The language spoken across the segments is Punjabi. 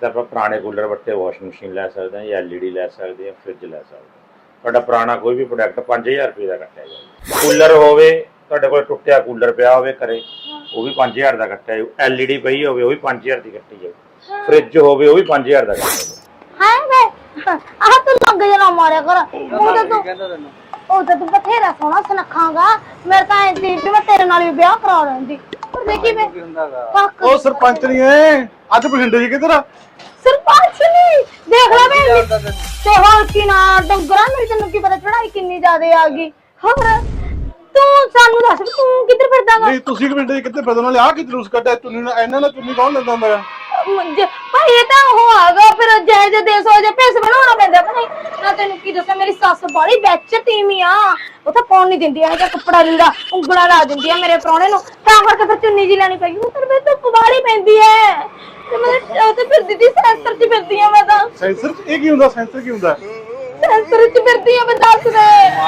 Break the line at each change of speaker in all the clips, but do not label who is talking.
ਤਾਂ ਆਪਾਂ ਪੁਰਾਣੇ ਕੂਲਰ ਵੱਟੇ ਵਾਸ਼ਿੰਗ ਮਸ਼ੀਨ ਲੈ ਸਕਦੇ ਹਾਂ ਜਾਂ LED ਲੈ ਸਕਦੇ ਹਾਂ, ਫ੍ਰਿਜ ਲੈ ਸਕਦੇ ਹਾਂ। ਤੁਹਾਡਾ ਪੁਰਾਣਾ ਕੋਈ ਵੀ ਪ੍ਰੋਡਕਟ 5000 ਰੁਪਏ ਦਾ ਕੱਟਿਆ ਜਾਊਗਾ। ਕੂਲਰ ਹੋਵੇ ਤੁਹਾਡੇ ਕੋਲ ਟੁੱਟਿਆ ਕੂਲਰ ਪਿਆ ਹੋਵੇ ਘਰੇ, ਉਹ ਵੀ 5000 ਦਾ ਕੱਟਿਆ ਜਾਊ। LED ਪਈ ਹੋਵੇ ਉਹ ਵੀ 5000 ਦੀ ਕੱਟੀ ਜਾਊ। ਫ੍ਰਿਜ ਹੋਵੇ ਉਹ ਵੀ 5000 ਦਾ ਕੱਟਿਆ ਜਾਊ।
ਹਾਂ ਵੇ ਆਹ ਤੂੰ ਲੱਗ ਜਣਾ ਮਾਰਿਆ ਕਰ। ਉਹ ਤਾਂ ਤੂੰ ਬਥੇਰਾ ਸੋਹਣਾ ਸੁਨੱਖਾਂਗਾ। ਮੇਰੇ ਤਾਂ ਐਂ ਸੀ ਮੈਂ ਤੇਰੇ ਨਾਲ ਵੀ ਵਿਆਹ ਕਰਾ ਲੈਂਦੀ। ਪਰ ਦੇਖੀ ਵੇ
ਉਹ ਸਰਪੰਚ ਨਹੀਂ ਐ ਅੱਜ ਬਠਿੰਡੇ ਜੀ ਕਿੱਧਰ ਆ?
ਸਰਪੰਚ ਨਹੀਂ ਦੇਖ ਲੈ ਵੇ ਤੇ ਹੋਰ ਕੀ ਨਾ ਡੰਗਰਾਂ ਮੇਰੀ ਤੈਨੂੰ ਕੀ ਪਤਾ ਚੜਾਈ ਕਿੰਨੀ ਜ਼ਿਆਦੇ ਆ ਗਈ। ਹੋਰ ਤੂੰ ਸਾਨੂੰ ਦੱਸ ਵੀ ਤੂੰ ਕਿੱਧਰ ਫਿਰਦਾਗਾ?
ਨਹੀਂ ਤੁਸੀਂ ਬਠਿੰਡੇ ਜੀ ਕਿੱਥੇ ਫਿਰਦੇ ਨਾਲੇ ਆ ਕਿ ਜਲੂਸ ਕੱਢਿਆ ਚੁੰਨੀ ਨਾਲ ਇਹਨਾਂ ਨਾਲ ਚੁੰਨੀ ਕੌਣ ਲੈਂਦਾ ਹੁੰਦਾ ਆ?
ਭਾਈ ਇਹ ਤਾਂ ਉਹ ਆਗਾ ਫਿਰ ਜੈ ਜੈ ਦੇਸ ਹੋ ਜਾ ਭੇਸ ਬਣਾਉਣਾ ਪੈਂਦਾ ਭਾਈ। ਮੈਂ ਤੈਨੂੰ ਕੀ ਦੱਸਾਂ ਮੇਰੀ ਸੱਸ ਬੜੀ ਵਿੱਚ ਤੀਵੀਂ ਆ। ਉਹ ਤਾਂ ਪਾਉਣ ਨਹੀਂ ਦਿੰਦੀ ਹੈ ਕੱਪੜਾ ਲੀੜਾ ਉਂਗਲਾਂ ਲਾ ਦਿੰਦੀ ਆ ਮੇਰੇ ਪ੍ਰਾਹੁਣੇ ਨੂੰ। ਤਾਂ ਕਰਕੇ ਫਿਰ ਚੁੰਨੀ ਜੀ ਲੈਣੀ ਪਈ। ਉਹ ਤਾਂ ਮੈਂ ਧੁੱਪ ਵਾਲੀ ਪੈਂਦੀ ਹੈ ਤੇ ਮੈਂ ਉਹ ਤੇ ਫਿਰਦੀ ਦੀ ਸੈਂਸਰ ਚ ਫਿਰਦੀ ਆ। ਮੈਂ ਤਾਂ
ਸੈਂਸਰ ਇਹ ਕੀ ਹੁੰਦਾ? ਸੈਂਸਰ ਕੀ ਹੁੰਦਾ?
ਸੈਂਸਰ ਚ ਫਿਰਦੀ ਆ। ਮੈਂ ਦੱਸ ਦੇ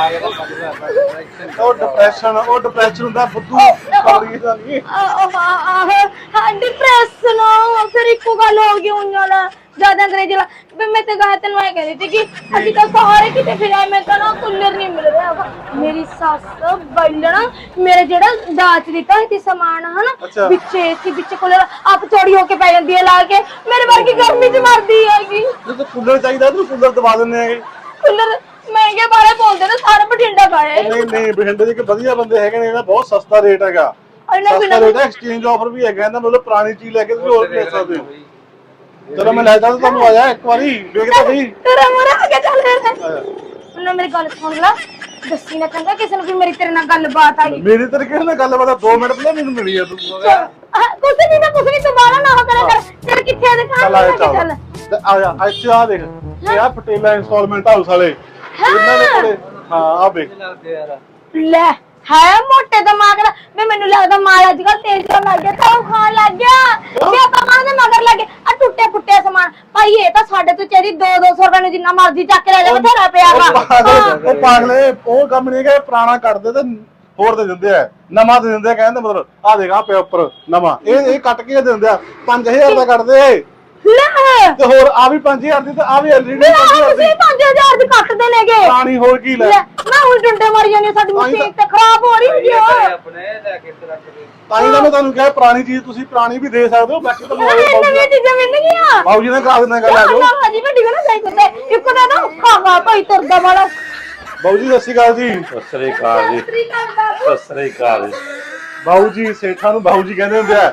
ਉਹ ਡਿਪਰੈਸ਼ਨ ਹੁੰਦਾ ਬੁੱਧੂ ਕੌੜੀ ਦਾ ਨਹੀਂ।
ਹਾਂ ਡਿਪਰੈਸ਼ਨ ਫਿਰ ਇੱਕੋ ਗੱਲ ਹੋ ਗਈ ਉਹਨਾਂ ਨਾਲ ਜ਼ਿਆਦਾ ਅੰਗਰੇਜ਼ੀ ਨਾਲ। ਮੈਂ ਤੇ ਕਹਾ ਤੈਨੂੰ ਐ ਕਹਿੰਦੀ ਸੀ ਕਿ ਅਸੀਂ ਤਾਂ ਸਾਰੇ ਕਿਤੇ ਫਿਰਿਆ। ਮੈਂ ਤਾਂ ਨਾ ਕੂਲਰ ਨਹੀਂ ਮਿਲ ਰਿਹਾ। ਮੇਰੀ ਸੱਸ ਬੈਲਣਾ ਮੇਰੇ ਜਿਹੜਾ ਦਾਜ ਦਿੱਤਾ ਸੀ ਸਮਾਨ ਹਨਾ ਵਿੱਚੇ ਸੀ ਵਿੱਚ ਕੂਲਰ ਆਪ ਚੋਰੀ ਹੋ ਕੇ ਪੈ ਜਾਂਦੀ ਹੈ ਲਾ ਕੇ। ਮੇਰੇ ਵਰਗੀ ਗਰਮੀ ਚ ਮਰਦੀ ਹੈਗੀ।
ਜੇ ਕੂਲਰ ਚਾਹੀਦਾ ਤੂੰ ਕੂਲਰ ਦਵਾ ਦਿੰਦੇ ਆਗੇ।
ਕੂਲਰ ਮਹਿੰਗੇ ਬਾਰੇ ਬੋਲਦੇ ਨੇ ਸਾਰੇ ਬਠਿੰਡਾ ਪਾਏ।
ਨਹੀਂ ਬਠਿੰਡੇ ਦੇ ਵਧੀਆ ਬੰਦੇ ਹੈਗੇ ਨੇ। ਇਹਦਾ ਬਹੁਤ ਸਸਤਾ ਰੇਟ ਹੈਗਾ। ਸਸਤਾ ਰੇਟ ਹੈ। ਐਕਸਚੇਂਜ ਆਫਰ ਵੀ ਹੈਗਾ ਇਹਦਾ। ਮਤਲਬ ਪੁਰਾਣੀ ਚੀਜ਼ ਲੈ ਕੇ ਤੁਸੀਂ ਹੋਰ ਲੈ ਸਕਦੇ ਹੋ। ਚਲੋ ਮੈਂ ਲੈ ਜਾਂਦਾ ਤੁਹਾਨੂੰ ਆਇਆ ਇੱਕ ਵਾਰੀ ਵੇਖਦਾ ਸਹੀ
ਤੇਰਾ ਮੋਰਾ ਆ ਕੇ ਚੱਲ ਉਹਨਾਂ ਮੇਰੀ ਗੱਲ ਸੁਣ ਲੈ। ਦੱਸੀ ਨਾ ਚੰਗਾ ਕਿਸੇ ਨੂੰ ਵੀ ਮੇਰੀ ਤੇਰੇ ਨਾਲ ਗੱਲਬਾਤ ਆ ਗਈ।
ਮੇਰੀ ਤੇਰੇ ਕਿਸੇ ਨਾਲ ਗੱਲਬਾਤ 2 ਮਿੰਟ ਪਹਿਲਾਂ ਮੈਨੂੰ ਮਿਲੀ ਆ ਤੂੰ।
ਕੁਛ ਨਹੀਂ ਦੁਬਾਰਾ ਨਾ ਹੋ ਕਰਿਆ ਕਰ। ਤੇਰੇ ਕਿੱਥੇ ਆ ਦਿਖਾ
ਚੱਲ ਆ ਜਾ ਇੱਥੇ ਆ ਦੇਖ ਇਹ ਆ ਪਟੇਲਾ ਇੰਸਟਾਲਮੈਂਟ ਹਾਊਸ ਵਾਲੇ ਇਹਨਾਂ ਦੇ ਕੋਲੇ। ਹਾਂ ਆ ਵੇਖ
ਲੈ ਹੈ ਮੋਟੇ ਦਿਮਾਗ ਦਾ ਵੀ ਮੈਨੂੰ ਲੱਗਦਾ ਮਾਲ ਅੱਜ ਕੱਲ ਤੇਜ਼ ਹੋਣ ਲੱਗ ਗਿਆ। ਤਾਂ ਖਾਣ ਲੱਗ ਗਿਆ ਵੀ ਆਪਾਂ ਮਾਂ ਦੇ ਮਗਰ ਲੱਗੇ ਆ ਟੁੱਟੇ ਫੁੱਟੇ ਸਮਾਨ। ਭਾਈ ਇਹ ਤਾਂ ਸਾਡੇ ਤੋਂ ਚਾਹੀਦੀ 200 ਰੁਪਏ ਨੂੰ ਜਿੰਨਾ ਮਰਜ਼ੀ ਚੱਕ ਲੈ ਜਾ ਬਥੇਰਾ ਪਿਆ ਵਾ।
ਉਹ ਪਾਗਲੇ ਉਹ ਕੰਮ ਨਹੀਂ ਕਿ ਪੁਰਾਣਾ ਕੱਢਦੇ ਤੇ ਹੋਰ ਦੇ ਦਿੰਦੇ ਆ ਨਵਾਂ ਦੇ ਦਿੰਦੇ ਆ। ਕਹਿੰਦੇ ਮਤਲਬ ਆ ਦੇਖ ਆ ਪਿਆ ਉੱਪਰ ਨਵਾਂ ਇਹ ਕੱਟ ਕੇ ਦੇ ਦਿੰਦੇ ਆ 5000 ਦਾ ਕੱਢਦੇ
ਲੈ
ਤੇ ਹੋਰ ਆ ਵੀ 5000 ਦੀ ਤੇ ਆ ਵੀ LED 5000 ਦੀ
5000 ਦੀ ਕੱਟਦੇ ਨੇਗੇ।
ਪੁਰਾਣੀ ਹੋਰ ਕੀ ਲੈ
ਮੈਂ ਹੁਣ ਡੰਡੇ ਮਾਰੀ ਜਾਂਦੀ ਸਾਡੀ ਮਸ਼ੀਨ ਤੇ ਖਰਾਬ ਹੋ ਰਹੀ ਹੁੰਦੀ ਆ।
ਤਾਂ ਹੀ ਤਾਂ ਮੈਂ ਤੁਹਾਨੂੰ ਕਿਹਾ ਪੁਰਾਣੀ ਚੀਜ਼ ਤੁਸੀਂ ਪੁਰਾਣੀ ਵੀ ਦੇ ਸਕਦੇ ਹੋ। ਬਾਕੀ ਤਾਂ
ਨਵੀਆਂ ਚੀਜ਼ਾਂ ਮਿਲਣਗੀਆਂ।
ਬਾਬੂ ਜੀ ਨੇ ਕਰਾ ਦਿੰਦਾ ਗੱਲ ਆ ਜਾਓ।
ਜੀ ਵੱਡੀ ਨਾ ਜਾਈ ਕੁੱਤੇ ਇੱਕ ਦਾ ਨਾ ਖਾਵਾ ਭਾਈ ਤੁਰਦਾ ਵਾਲਾ।
ਬਾਬੂ ਜੀ ਸਤਿ ਸ਼੍ਰੀ ਅਕਾਲ ਜੀ।
ਸਤਿ ਸ੍ਰੀ ਅਕਾਲ ਜੀ। ਸਤਿ ਸ੍ਰੀ ਅਕਾਲ ਜੀ।
ਬਾਬੂ ਜੀ ਸੇਠਾਂ ਨੂੰ ਬਾਬੂ ਜੀ ਕਹਿੰਦੇ ਹੁੰਦੇ ਆ।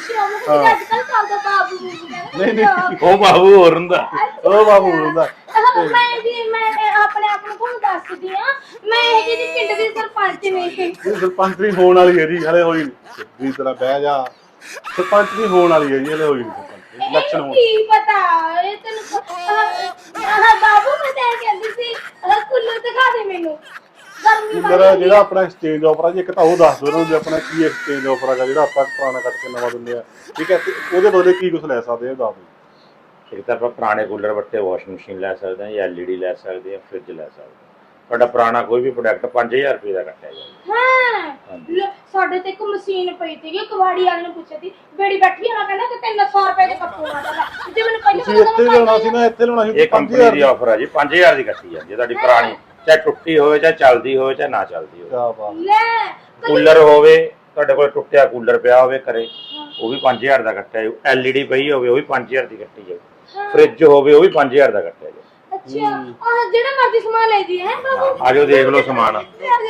ਨਹੀਂ
ਉਹ ਬਾਬੂ ਹੋਰ ਹੁੰਦਾ।
ਉਹ ਬਾਬੂ ਹੁੰਦਾ।
ਮੈਂ ਆਪਣੇ ਆਪ ਨੂੰ ਤੁਹਾਨੂੰ ਦੱਸਦੀ ਆ। ਮੈਂ ਇਹ ਜੀ ਪਿੰਡ ਦੀ ਸਰਪੰਚ ਨਹੀਂ।
ਸਰਪੰਚ ਨਹੀਂ ਹੋਣ ਵਾਲੀ ਹੈ ਜੀ ਹਲੇ ਹੋਈ ਨਹੀਂ। ਵੀ ਤੇਰਾ ਬਹਿ ਜਾ ਸਰਪੰਚ ਨਹੀਂ ਹੋਣ ਵਾਲੀ ਹੈ ਜੀ ਹਲੇ ਹੋਈ ਨਹੀਂ। ਇਲੈਕਸ਼ਨ ਹੋਣ
ਕੀ ਪਤਾ ਇਹ ਤੈਨੂੰ ਬਾਬੂ ਮੈਂ ਤਾਂ ਕਹਿੰਦੀ ਸੀ ਕੁੱਲਰ ਦਿਖਾ ਦੇ ਮੈਨੂੰ।
ਕੂਲਰ ਜਿਹੜਾ ਆਪਣਾ ਐਕਸਚੇਂਜ ਆਫਰ ਆ ਜੀ ਇੱਕ ਤਾਂ ਉਹ ਦੱਸ ਦਿਓ ਜੀ ਆਪਣਾ ਕੀ ਐਕਸਚੇਂਜ ਆਫਰ ਹੈਗਾ ਜਿਹੜਾ ਆਪਾਂ ਪੁਰਾਣਾ ਕੱਟ ਕੇ ਨਵਾਂ ਦਿੰਦੇ ਆ। ਠੀਕ ਹੈ ਉਹਦੇ ਬਦਲੇ ਕੀ ਕੁਝ ਲੈ ਸਕਦੇ ਆ ਦੱਸ ਦਿਓ।
ਇੱਕ ਤਾਂ ਆਪਾਂ ਪੁਰਾਣੇ ਕੂਲਰ ਵੱਟੇ ਵਾਸ਼ਿੰਗ ਮਸ਼ੀਨ ਲੈ ਸਕਦੇ ਹਾਂ ਜਾਂ LED ਲੈ ਸਕਦੇ ਹਾਂ, ਫ੍ਰਿਜ ਲੈ ਸਕਦੇ ਹਾਂ। ਤੁਹਾਡਾ ਪੁਰਾਣਾ ਕੋਈ ਵੀ ਪ੍ਰੋਡਕਟ 5000 ਰੁਪਏ ਦਾ ਕੱਟਿਆ ਜਾਊਗਾ।
ਹਾਂ ਸਾਡੇ ਤੇ ਇੱਕ ਮਸ਼ੀਨ ਪਈ ਸੀਗੀ ਕਵਾੜੀ ਵਾਲੇ ਨੂੰ ਪੁੱਛਿਆ ਸੀ ਬੇੜੀ ਬੈਠੀ ਆ ਕਹਿੰਦਾ ਕਿ 300 ਰੁਪਏ ਦੇ ਕੱਪੂ ਮਾਰਦਾ ਜੇ ਮੈਨੂੰ ਪਹਿਲਾਂ
ਇੱਥੇ ਲਾਉਣਾ ਸੀ ਨਾ ਇੱਥੇ ਲਾਉਣਾ ਸੀ।
ਇਹ ਕੰਪਨੀ ਦੀ ਆਫਰ ਆ ਜੀ 5000 ਦੀ ਕੱਟੀ ਜਾਂਦੀ ਹੈ। ਤੁਹਾਡੀ ਪੁਰਾਣੀ ਚਾਹੇ ਟੁੱਟੀ ਹੋਵੇ ਚਾਹੇ ਚੱਲਦੀ ਹੋਵੇ ਚਾਹੇ ਨਾ ਚੱਲਦੀ ਹੋਵੇ।
ਲੈ
ਕੂਲਰ ਹੋਵੇ ਤੁਹਾਡੇ ਕੋਲ ਟੁੱਟਿਆ ਕੂਲਰ ਪਿਆ ਹੋਵੇ ਘਰੇ ਉਹ ਵੀ 5000 ਦਾ ਕੱਟਿਆ ਜਾਊ। LED ਪਈ ਹੋਵੇ ਉਹ ਵੀ 5000 ਦੀ ਕੱਟੀ ਜਾਊ। ਫ੍ਰਿਜ ਹੋਵੇ ਉਹ ਵੀ 5000 ਦਾ ਕੱਟਿਆ ਜਾਊ।
ਅੱਛਾ ਆਹ ਜਿਹੜਾ ਮਰਜ਼ੀ ਸਮਾਨ ਲੈ ਜੀ ਹੈ ਬਾਬੂ।
ਆਜੋ ਦੇਖ ਲਓ ਸਮਾਨ।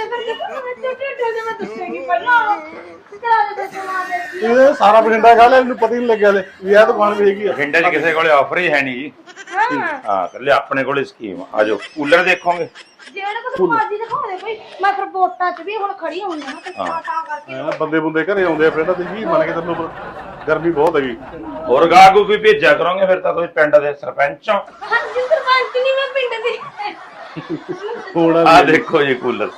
ਇਹ ਸਾਰਾ ਬਠਿੰਡਾ ਖਾ ਲਿਆ ਇਹਨੂੰ ਪਤਾ ਹੀ ਨਹੀਂ ਲੱਗਿਆ ਲੈ ਵੀ ਇਹ ਦੁਕਾਨ ਵੀ ਹੈਗੀ ਆ।
ਬਠਿੰਡੇ 'ਚ ਕਿਸੇ ਕੋਲੇ ਆਫਰ ਹੀ ਹੈ ਨਹੀਂ ਜੀ। ਹਾਂ ਕੱਲੇ ਆਪਣੇ ਕੋਲੇ ਸਕੀਮ। ਆਜੋ ਕੂਲਰ ਦੇਖੋਗੇ
ਜਿਹੜਾ ਕੁਝ ਮਰਜ਼ੀ ਦਿਖਾ ਦੇ ਭਾਈ। ਮੈਂ ਫਿਰ ਵੋਟਾਂ 'ਚ ਵੀ ਹੁਣ ਖੜੀ ਹੋਈ ਹਾਂ ਤਾਂ ਕਰਕੇ
ਬੰਦੇ ਬੁੰਦੇ ਘਰੇ ਆਉਂਦੇ ਆ ਫਿਰ ਤਾਂ ਤੁਸੀਂ ਮੰਨ ਕੇ ਤੈਨੂੰ ਗਰਮੀ ਬਹੁਤ ਹੈਗੀ।
ਹੋਰ ਗਾਹਕ ਕੋਈ ਭੇਜਿਆ ਕਰੋਗੇ ਫਿਰ ਤਾਂ ਤੁਸੀਂ ਪਿੰਡ ਦੇ ਸਰਪੰਚ ਹੋ।
ਹਾਂਜੀ ਸਰਪੰਚ ਨਹੀਂ ਮੈਂ ਪਿੰਡ ਦੀ।
ਹੁਣ
ਆ ਦੇਖੋ ਜੀ ਕੂਲਰ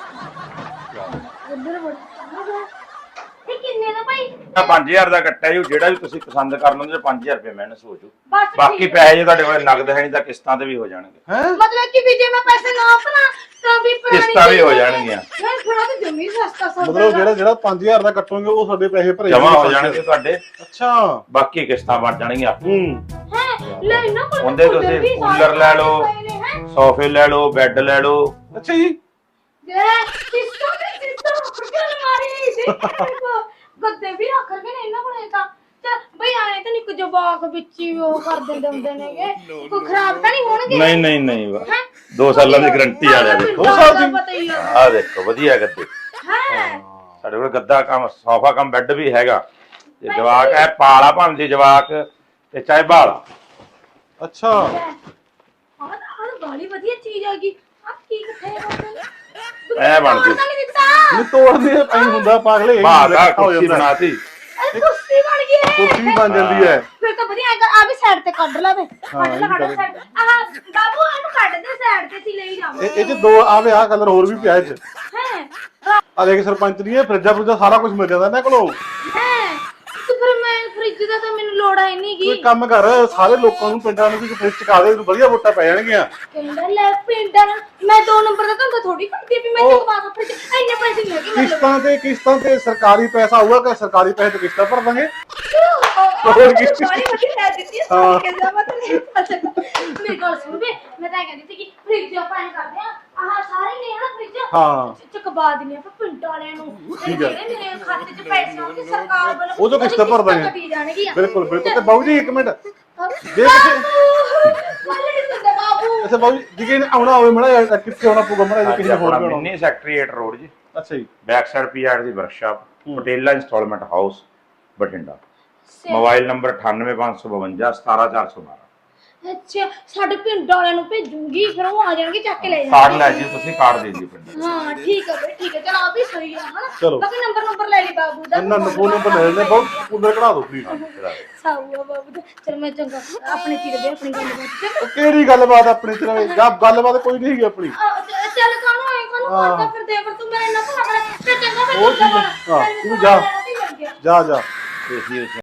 ਇਹ ਕਿੰਨੇ ਦਾ ਭਾਈ?
5000 ਦਾ ਕੱਟਿਆ ਜੀ। ਜਿਹੜਾ ਵੀ ਤੁਸੀਂ ਪਸੰਦ ਕਰ ਲਓਗੇ 5000 ਰੁਪਏ ਮਾਈਨਸ ਹੋ ਜੂ।
ਬਸ
ਬਾਕੀ ਪੈਸੇ ਜੇ ਤੁਹਾਡੇ ਕੋਲ ਨਗਦ ਹੈ ਨਹੀਂ ਤਾਂ ਕਿਸ਼ਤਾਂ ਤੇ ਵੀ ਹੋ ਜਾਣਗੇ।
ਮਤਲਬ ਕਿ ਵੀ ਜੇ ਮੈਂ ਪੈਸੇ ਨਾ ਆਪਣਾ ਤਾਂ ਵੀ
ਕਿਸ਼ਤਾਂ ਵੀ ਹੋ ਜਾਣਗੀਆਂ।
ਮੈਂ ਥੋੜਾ ਤਾਂ ਜਮੀ ਸਸਤਾ ਸੌਦਾ।
ਮਤਲਬ ਜਿਹੜਾ 5000 ਦਾ ਕੱਟੋਗੇ ਉਹ ਸਾਡੇ ਪੈਸੇ ਭਰੇ
ਜਮਾ ਹੋ ਜਾਣਗੇ ਤੁਹਾਡੇ।
ਅੱਛਾ
ਬਾਕੀ ਕਿਸ਼ਤਾਂ ਬਣ ਜਾਣਗੀਆਂ।
ਹੈ ਲੈ ਇਹਨਾਂ ਕੋਲ
ਉਹਦੇ
ਕੂਲਰ
ਤੁਸੀਂ
ਵੀ ਸਾਰੇ
ਕੂਲਰ ਲੈ ਲਓ,
ਪਏ ਨੇ, ਹੈਂ।
ਸੋਫੇ ਲੈ ਲਓ, ਬੈੱਡ ਲੈ ਲਓ।
ਅੱਛਾ ਜੀ
ਸਿਸਟਮ ਕਿਉਂ ਮਾਰੀ ਦੇਖੋ ਗੱਦੇ ਵੀ ਰੱਖ ਕੇ ਨੇ ਇਹਨਾਂ ਕੋਲੇ ਤਾਂ ਚੱਲ ਬਈ ਆਏ ਤਾਂ ਨਹੀਂ ਕੁਝ ਜਵਾਕ ਵਿੱਚ ਹੀ ਉਹ ਕਰ ਦਿੰਦੇ ਹੁੰਦੇ ਨੇਗੇ ਕੋਈ ਖਰਾਬ ਤਾਂ ਨਹੀਂ ਹੋਣਗੇ
ਨਹੀਂ ਨਹੀਂ ਨਹੀਂ 2 ਸਾਲਾਂ ਦੀ ਗਾਰੰਟੀ ਵਾਲਿਆ ਦੇਖੋ।
2 ਸਾਲ ਦੀ?
ਪਤਾ ਹੀ ਆ
ਆਹ ਦੇਖੋ ਵਧੀਆ ਗੱਦੇ
ਹੈ
ਸਾਡੇ ਕੋਲ ਗੱਦਾ ਕੰਮ ਸੋਫਾ ਕੰਮ ਬੈੱਡ ਵੀ ਹੈਗਾ। ਤੇ ਜਵਾਕ ਹੈ ਪਾਲਾ ਭਾਂਦੀ ਜਵਾਕ ਤੇ ਚਾਹੇ ਬਾਲਾ।
ਅੱਛਾ
ਆਹ ਬਾਲੀ ਵਧੀਆ ਚੀਜ਼ ਆ ਗਈ ਆ ਕੀ ਕਿੱਥੇ ਕਰਦੇ
ਐ ਬਣਦੀ।
ਨਹੀਂ ਦਿੱਤਾ
ਨਹੀਂ ਤੋੜਨੇ ਐਂ ਹੁੰਦਾ ਪਾਗਲੇ ਇਹ
ਬਾਹਰ
ਇਕੱਠਾ ਹੋ
ਕੁਰਸੀ
ਜਾਂਦਾ।
ਬਣਾਤੀ।
ਇਹ ਕੁਰਸੀ ਬਣ ਗਈ ਹੈ
ਕੁਰਸੀ ਵੀ ਬਣ ਜਾਂਦੀ ਹੈ।
ਫਿਰ ਤਾਂ ਵਧੀਆ ਆ ਵੀ ਸਾਈਡ ਤੇ ਕੱਢ ਲਾ ਵੇ ਕੱਢ ਲਾ
ਇਹ ਵੀ
ਸਾਈਡ ਆਹ ਬਾਬੂ ਇਹਨੂੰ ਕੱਢ ਦੇ ਸਾਈਡ ਤੇ ਸੀ ਲਈ ਜਾਵਾਂ
ਇਹ ਚ ਦੋ ਆਵੇ ਆਹ ਕਲਰ ਹੋਰ ਵੀ ਪਿਆ ਇਹ ਚ।
ਹੈ
ਆ ਦੇਖ ਸਰਪੰਚ ਦੀ ਇਹ ਫਰਿੱਜਾ ਫਰੂਜਾ ਸਾਰਾ ਕੁਝ ਮਿਲ ਜਾਂਦਾ ਇਹਨਾਂ ਕੋਲੋਂ।
ਹੈ ਤੇ ਫਿਰ ਮੈਂ ਫ੍ਰਿਜ ਦਾ ਤਾਂ ਮੈਨੂੰ ਲੋੜ ਹੈ ਨਹੀਂ
ਕੋਈ
ਗੀ
ਕੰਮ ਕਰ ਸਾਰੇ ਲੋਕਾਂ ਨੂੰ ਪਿੰਡਾਂ ਨੂੰ ਵੀ ਫਰਿੱਜ ਚਕਾ ਦੇ ਵਧੀਆ ਵੋਟਾਂ ਪੈ ਜਾਣਗੀਆਂ।
ਕਹਿੰਦਾ ਲੈ ਪਿੰਡਾਂ ਨਾਲ ਮੈਂ 2 ਨੰਬਰ ਦਾ ਧੰਦਾ ਥੋੜੀ ਕਰਦੀ ਵੀ ਮੈਂ
ਉਹ-
ਚਕਵਾ ਕੇ ਫ੍ਰਿਜ ਇੰਨੇ ਪੈਸੇ ਨਹੀਂ ਹੈਗੇ
ਕਿਸ਼ਤਾਂ ਤੇ ਸਰਕਾਰੀ ਪੈਸਾ ਆਊਗਾ ਕਿ ਸਰਕਾਰੀ ਪੈਸੇ ਤੇ ਕਿਸ਼ਤਾਂ ਭਰ ਦਾਂਗੇ।
ਹੋਰ ਕੀ ਸਾਰੀ ਵਧੀਆ ਲੈ ਦਿੱਤੀ
ਹਾਂ।
ਸਾਰੀ ਕਹਿੰਦਾ ਮਤਲਬ ਮੇਰੀ ਗੱਲ ਸੁਣ ਵੇ ਮੈਂ ਤਾਂ ਕਹਿੰਦੀ ਸੀ ਕਿ ਫ੍ਰਿਜ ਆਪਾਂ ਐਂ ਕਰਦੇ ਆ ਆਹ ਸਾਰੇ ਨੇ ਹਨਾ ਫ੍ਰਿਜ
ਹਾਂ।
ਚਕਵਾ ਦਿੰਦੇ ਆਪਾਂ ਪਿੰਡਾਂ ਵਾਲਿਆਂ ਨੂੰ ਤੇ
ਠੀਕ ਹੈ।
ਜਿਹੜੇ ਮੇਰੇ ਖਾਤੇ 'ਚ ਪੈਸੇ ਆਉਣਗੇ ਸਰਕਾਰ ਵੱਲੋਂ
ਉਹ ਤੋਂ ਕਿਸ਼ਤਾਂ ਭਰ ਦਾਂਗੇ।
ਕੱਟੀ ਜਾਣਗੀਆਂ
ਬਿਲਕੁਲ ਬਿਲਕੁਲ ਤੇ ਬਾਬੂ ਜੀ ਇੱਕ ਮਿੰਟ ਜੇ
ਬਾਬੂ
ਅੱਛਾ ਬਾਬੂ ਜੀ ਜੇ ਆਉਣਾ ਹੋਵੇ ਮੜਾ ਕਿੱਥੇ ਆਉਣਾ ਪਊਗਾ ਮੜਾ ਕਿਸੇ ਹੋਰ ਵੀ ਆਉਣਾ।
ਮਿੰਨੀ ਸੈਕਟਰੀਏਟ ਰੋਡ ਜੀ,
ਅੱਛਾ ਜੀ
ਬੈਕ ਸਾਈਡ ਪੀਆਰ ਦੀ ਵਰਕਸ਼ਾਪ, ਪਟੇਲਾ instalment house, Bathinda. Mobile number 9855 17412।
ਅੱਛਾ ਸਾਡੇ ਪਿੰਡ ਵਾਲਿਆਂ ਨੂੰ ਭੇਜੂਗੀ ਫਿਰ ਉਹ ਆ ਜਾਣਗੇ ਚੱਕ ਕੇ ਲੈ
ਕਾਰਡ
ਜਾਣਗੇ
ਲੈ ਜੀ ਤੁਸੀਂ, ਕਾਰਡ ਦੇ ਦਿਓ ਪਿੰਡ।
ਹਾਂ ਠੀਕ ਹੈ ਬਈ ਠੀਕ ਹੈ ਚਲ ਆ ਵੀ ਸਹੀ ਆ ਹਨਾ
ਚਲੋ।
ਬਾਕੀ ਨੰਬਰ ਲੈ ਲਈ ਬਾਬੂ ਦਾ
ਇਹਨਾਂ ਨੂੰ ਫੋਨ ਨੰਬਰ ਲੈ ਲੈਣੇ ਬਹੁਤ ਕੂਲਰ ਕਢਾ ਦਿਓ ਪਲੀਜ਼।
ਸਾਊਆ ਬਾਬੂ ਦਾ ਚਲ ਮੈਂ ਚੰਗਾ ਆਪਣੇ ਚਿਰ ਦੇ ਆਪਣੀ ਗੱਲ ਬਾਤ
ਉਹ ਕਿਹੜੀ ਗੱਲਬਾਤ ਆਪਣੀ ਤਰ੍ਹਾਂ ਗੱਲਬਾਤ ਕੋਈ ਨਹੀਂ ਹੈਗੀ ਆਪਣੀ।
ਚੱਲ ਕਾਹਨੂੰ ਆਏ ਕਾਹਨੂੰ ਕਰਦਾ ਫਿਰ ਦੇ ਪਰ ਤੂੰ ਮੇਰੇ ਨਾਲ ਭਲਾ ਤੇ ਚੰਗਾ ਫਿਰ
ਉਹ ਠੀਕ ਹੈ। ਹਾਂ, ਤੂੰ ਜਾ।
ਜਾ
ਜਾ ਜਾ
ਏਸੀ